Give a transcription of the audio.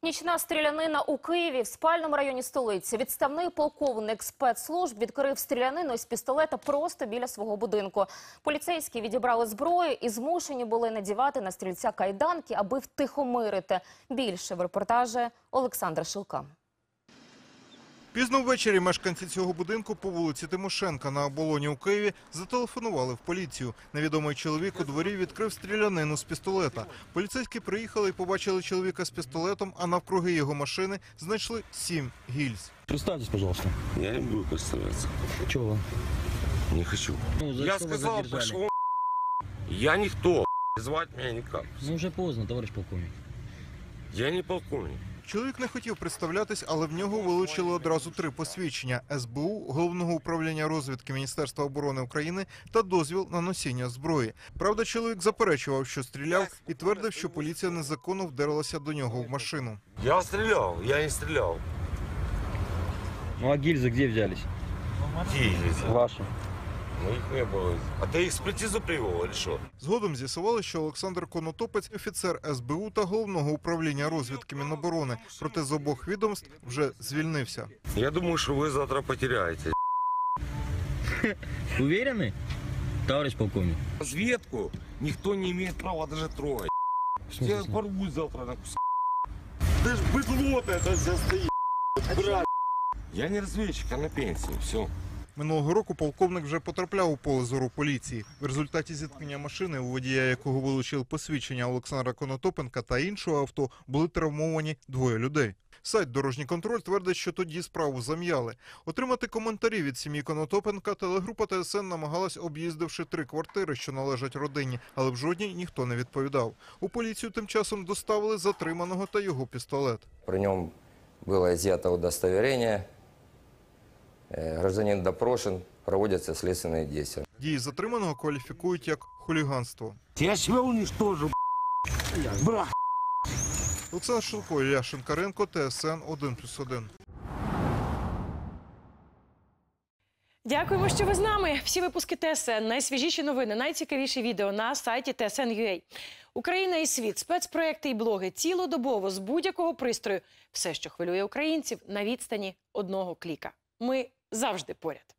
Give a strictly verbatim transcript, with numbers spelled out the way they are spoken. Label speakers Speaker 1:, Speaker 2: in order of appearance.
Speaker 1: Нічна стрілянина у Києві, в спальному районі столиці. Відставний полковник спецслужб відкрив стрілянину із пістолета просто біля свого будинку. Поліцейські відібрали зброю і змушені були надівати на стрільця кайданки, аби втихомирити. Більше в репортажі Олександра Шилка.
Speaker 2: Пізно ввечері мешканці цього будинку по вулиці Тимошенка на Оболоні у Києві зателефонували в поліцію. Невідомий чоловік у дворі відкрив стрілянину з пістолета. Поліцейські приїхали і побачили чоловіка з пістолетом, а навкруги його машини знайшли сім гільз.
Speaker 3: Представьтесь, пожалуйста.
Speaker 4: Я не буду представляться.
Speaker 3: Чего?
Speaker 4: Не хочу.
Speaker 3: Ну, за
Speaker 4: Я
Speaker 3: что вас
Speaker 4: сказал,
Speaker 3: задержали?
Speaker 4: пошел. Я никто. Звать меня никак.
Speaker 3: Ну, уже поздно, товарищ полковник.
Speaker 4: Я не полковник.
Speaker 2: Чоловік не хотів представлятись, але в нього вилучили одразу три посвідчення – ес бе у, Головного управління розвідки Міністерства оборони України та дозвіл на носіння зброї. Правда, чоловік заперечував, що стріляв, і твердив, що поліція незаконно вдерлася до нього в машину.
Speaker 4: Я стрелял, я не стрелял.
Speaker 3: Ну, а гильзы где взялись?
Speaker 4: Где
Speaker 3: Ваши.
Speaker 4: Ну их не было. А ты экспертизу привел или что?
Speaker 2: Згодом з'ясували, що Олександр Конотопець – офіцер ес бе у та Головного управління розвідки Міноборони. Проте з обох відомств вже звільнився.
Speaker 4: Я думаю, что вы завтра потеряете.
Speaker 3: Уверены, товарищ полковник?
Speaker 4: Разведку никто не имеет права даже трогать. Я порву завтра на куски. Ты ж быдло это все стоит. Брат. Я не разведчик, а на пенсии. Все.
Speaker 2: Минулого року полковник вже потрапляв у поле зору поліції. В результаті зіткнення машини, у водія якого вилучили посвідчення Олександра Конотопенка та іншого авто, були травмовані двоє людей. Сайт «Дорожній контроль» твердить, що тоді справу зам'яли. Отримати коментарі від сім'ї Конотопенка телегрупа те ес ен намагалась, об'їздивши три квартири, що належать родині, але в жодній ніхто не відповідав. У поліцію тим часом доставили затриманого та його пістолет.
Speaker 5: При нем было изъято удостоверение. Гражданин допрошен, проводятся следственные действия.
Speaker 2: Дії затриманого кваліфікують як хуліганство.
Speaker 4: Я себя уничтожу, брат.
Speaker 2: Олександр Шилко, Ілля Шинкаренко, те ес ен один плюс один.
Speaker 6: Дякуємо, що ви з нами. Всі випуски те ес ен, найсвіжіші новини, найцікавіші відео на сайті те ес ен крапка ю а. Україна і світ, спецпроекти і блоги цілодобово з будь-якого пристрою. Все, що хвилює українців, на відстані одного кліка. Ми завжди поряд.